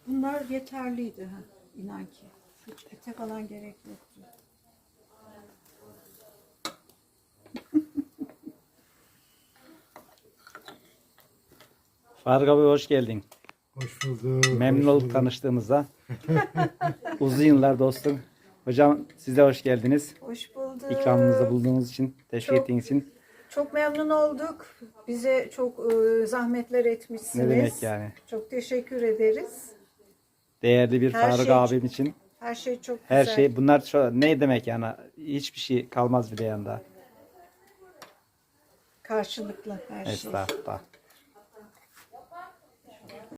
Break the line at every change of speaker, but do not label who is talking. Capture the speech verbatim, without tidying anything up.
Bunlar yeterliydi. Ha, inan ki. Hiç ete falan gerek yoktu.
Faruk abi hoş geldin.
Hoş bulduk.
Memnun
hoş
olduk
bulduk.
tanıştığımıza. Uzun yıllar dostum. Hocam siz de hoş geldiniz.
Hoş bulduk.
İkramımızda bulunduğunuz için, teşvik
Çok-
ettiğiniz için.
Çok memnun olduk. Bize çok e, zahmetler etmişsiniz.
Ne demek yani?
Çok teşekkür ederiz.
Değerli bir
Her
Faruk
şey-
abim için.
Her şey çok
Her
güzel.
şey bunlar şu, ne demek yani? Hiçbir şey kalmaz bile yanında.
Karşılıklı her şey.
Estağfurullah.